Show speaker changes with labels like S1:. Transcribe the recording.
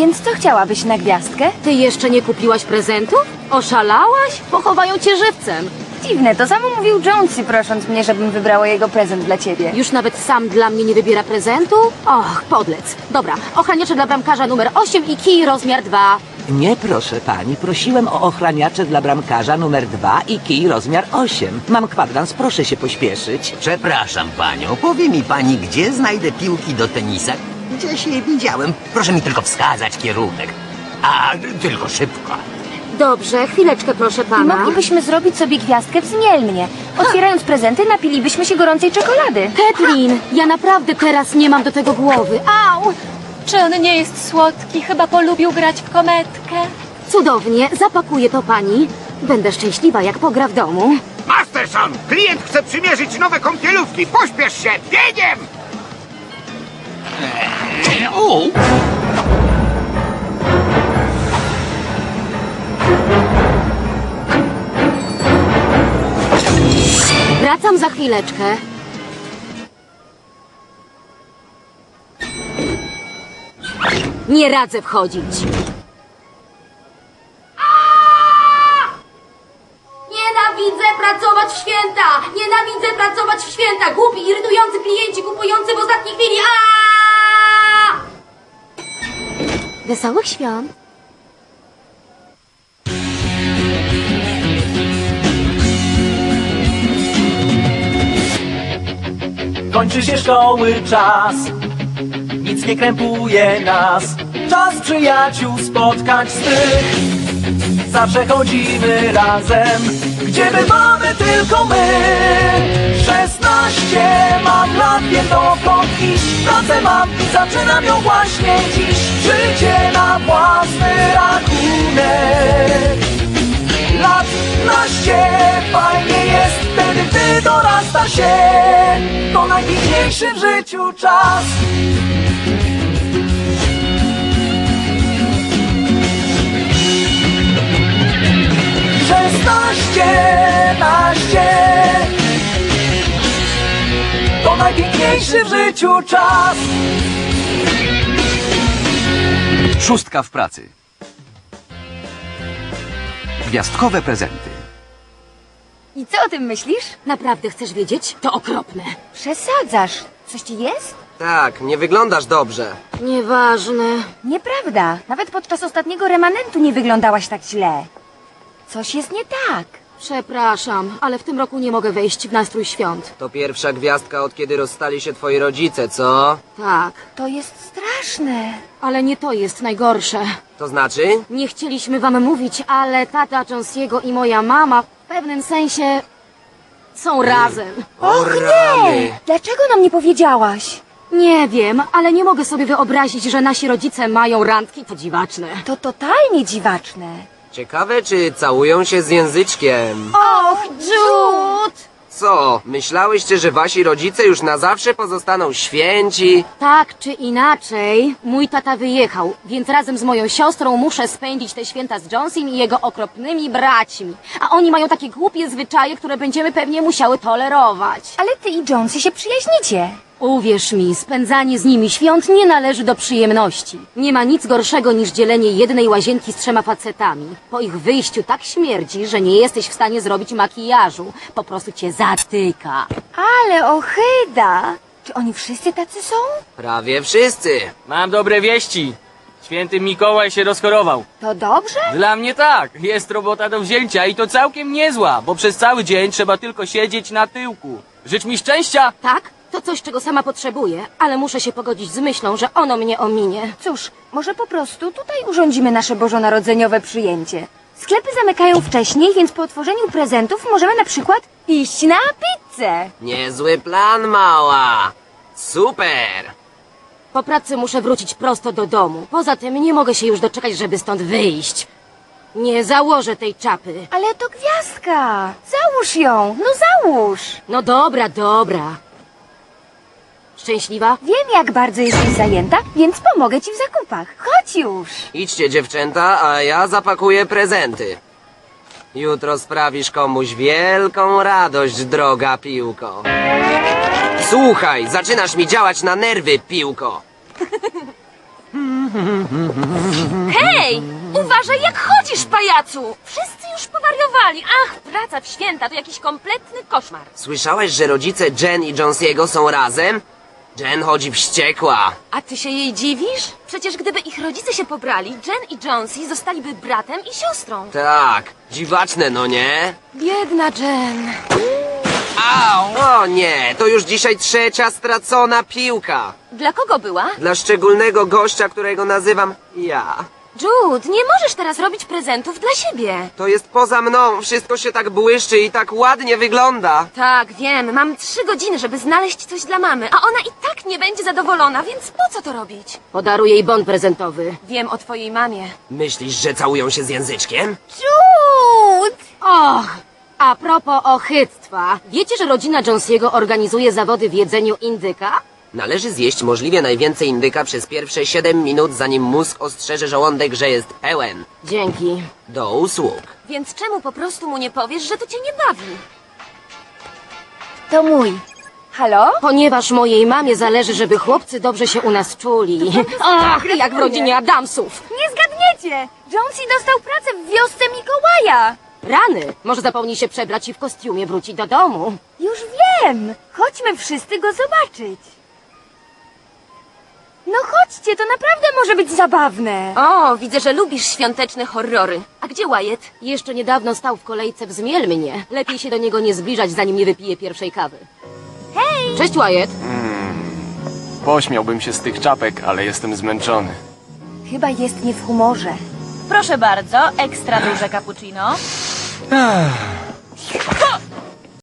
S1: Więc co chciałabyś na gwiazdkę?
S2: Ty jeszcze nie kupiłaś prezentów? Oszalałaś? Pochowają cię żywcem.
S1: Dziwne, to samo mówił Jonesy, prosząc mnie, żebym wybrała jego prezent dla ciebie.
S2: Już nawet sam dla mnie nie wybiera prezentu? Och, podlec. Dobra, ochraniacze dla bramkarza numer 8 i kij rozmiar 2.
S3: Nie, proszę pani. Prosiłem o ochraniacze dla bramkarza numer 2 i kij rozmiar 8. Mam kwadrans, proszę się pośpieszyć.
S4: Przepraszam panią, powie mi pani, gdzie znajdę piłki do tenisa? Gdzieś je widziałem. Proszę mi tylko wskazać kierunek. A, tylko szybko.
S2: Dobrze, chwileczkę proszę
S1: I
S2: pana.
S1: moglibyśmy zrobić sobie gwiazdkę wzmielnie. Otwierając prezenty, napilibyśmy się gorącej czekolady.
S2: Kathleen, ja naprawdę teraz nie mam do tego głowy.
S5: Au! Czy on nie jest słodki? Chyba polubił grać w kometkę.
S2: Cudownie, zapakuję to pani. Będę szczęśliwa, jak pogra w domu.
S6: Masterson, klient chce przymierzyć nowe kąpielówki. Pośpiesz się, biegiem!
S2: Wracam za chwileczkę. Nie radzę wchodzić. Nienawidzę pracować w święta! Nienawidzę pracować w święta! Głupi, irytujący klienci kupujący w ostatniej chwili! Wesołych świąt!
S7: Kończy się szkoły czas, nic nie krępuje nas. Czas przyjaciół spotkać swych. Zawsze chodzimy razem, gdzie bywamy tylko my. 16 mam lat, wiem dokąd iść. Pracę mam i zaczynam ją właśnie dziś. Życie na własny rachunek. Lat naście, fajnie jest wtedy, gdy dorasta się. To najpiękniejszy w życiu czas. Naście. To najpiękniejszy w życiu czas.
S8: 6 w pracy. Gwiazdkowe prezenty.
S1: I co o tym myślisz?
S2: Naprawdę chcesz wiedzieć? To okropne.
S1: Przesadzasz. Coś ci jest?
S9: Tak, nie wyglądasz dobrze.
S2: Nieważne.
S1: Nieprawda. Nawet podczas ostatniego remanentu nie wyglądałaś tak źle. Coś jest nie tak.
S2: Przepraszam, ale w tym roku nie mogę wejść w nastrój świąt.
S9: To pierwsza gwiazdka, od kiedy rozstali się twoi rodzice, co?
S2: Tak,
S1: To jest straszne.
S2: ale nie to jest najgorsze.
S9: To znaczy?
S2: Nie chcieliśmy wam mówić, ale tata Jonesiego i moja mama w pewnym sensie są razem.
S9: Och nie!
S1: Dlaczego nam nie powiedziałaś?
S2: Nie wiem, ale nie mogę sobie wyobrazić, że nasi rodzice mają randki. To dziwaczne.
S1: To totalnie dziwaczne.
S9: Ciekawe, czy całują się z języczkiem.
S2: Och, Jude!
S9: Co, myślałyście, że wasi rodzice już na zawsze pozostaną święci?
S2: Tak czy inaczej, mój tata wyjechał, więc razem z moją siostrą muszę spędzić te święta z Jonesem i jego okropnymi braćmi. A oni mają takie głupie zwyczaje, które będziemy pewnie musiały tolerować.
S1: Ale ty i Jonesy się przyjaźnicie.
S2: Uwierz mi, spędzanie z nimi świąt nie należy do przyjemności. Nie ma nic gorszego niż dzielenie jednej łazienki z 3 facetami. Po ich wyjściu tak śmierdzi, że nie jesteś w stanie zrobić makijażu. Po prostu cię zatyka.
S1: Ale ohyda. Czy oni wszyscy tacy są?
S9: Prawie wszyscy.
S10: Mam dobre wieści. Święty Mikołaj się rozchorował.
S1: To dobrze?
S10: Dla mnie tak. Jest robota do wzięcia i to całkiem niezła, bo przez cały dzień trzeba tylko siedzieć na tyłku. Życz mi szczęścia!
S2: Tak? To coś, czego sama potrzebuję, ale muszę się pogodzić z myślą, że ono mnie ominie.
S1: Cóż, może po prostu tutaj urządzimy nasze bożonarodzeniowe przyjęcie. Sklepy zamykają wcześniej, więc po otworzeniu prezentów możemy na przykład iść na pizzę.
S9: Niezły plan, mała. Super.
S2: Po pracy muszę wrócić prosto do domu. Poza tym nie mogę się już doczekać, żeby stąd wyjść. Nie założę tej czapy.
S1: Ale to gwiazdka. Załóż ją. No załóż.
S2: No dobra, dobra. Szczęśliwa?
S1: Wiem, jak bardzo jesteś zajęta, więc pomogę ci w zakupach. Chodź już.
S9: Idźcie, dziewczęta, a ja zapakuję prezenty. Jutro sprawisz komuś wielką radość, droga piłko. Słuchaj, zaczynasz mi działać na nerwy, piłko.
S5: Hej! Uważaj, jak chodzisz, pajacu! Wszyscy już powariowali. Ach, praca w święta to jakiś kompletny koszmar.
S9: Słyszałaś, że rodzice Jen i Jonesiego są razem? Jen chodzi wściekła.
S5: A ty się jej dziwisz? Przecież gdyby ich rodzice się pobrali, Jen i Jonesy zostaliby bratem i siostrą.
S9: Tak, dziwaczne, no nie?
S5: Biedna Jen.
S9: O nie, to już dzisiaj 3. stracona piłka.
S5: Dla kogo była?
S9: Dla szczególnego gościa, którego nazywam ja.
S5: Jude, nie możesz teraz robić prezentów dla siebie.
S9: To jest poza mną, wszystko się tak błyszczy i tak ładnie wygląda.
S5: Tak, wiem, mam 3 godziny, żeby znaleźć coś dla mamy, a ona i tak nie będzie zadowolona, więc po co to robić?
S2: Podaruję jej bon prezentowy.
S5: Wiem o twojej mamie.
S9: Myślisz, że całują się z języczkiem?
S1: Jude!
S2: Och! A propos ochyctwa. Wiecie, że rodzina Jonesiego organizuje zawody w jedzeniu indyka?
S9: Należy zjeść możliwie najwięcej indyka przez pierwsze 7 minut, zanim mózg ostrzeże żołądek, że jest pełen.
S2: Dzięki.
S9: Do usług.
S5: Więc czemu po prostu mu nie powiesz, że to cię nie bawi?
S1: To mój. Halo?
S2: Ponieważ mojej mamie zależy, żeby chłopcy dobrze się u nas czuli. Ach, jak w rodzinie Adamsów.
S1: Nie zgadniecie! Jonesy dostał pracę w wiosce Mikołaja.
S2: Rany! Może zapomni się przebrać i w kostiumie wróci do domu.
S1: Już wiem! Chodźmy wszyscy go zobaczyć. No chodźcie, to naprawdę może być zabawne.
S5: O, widzę, że lubisz świąteczne horrory. A gdzie Wyatt?
S2: Jeszcze niedawno stał w kolejce w Zmielmnie. Lepiej się do niego nie zbliżać, zanim nie wypije pierwszej kawy. Hej! Cześć, Wyatt!
S11: Pośmiałbym się z tych czapek, ale jestem zmęczony.
S1: Chyba jest nie w humorze.
S5: Proszę bardzo, ekstra duże cappuccino.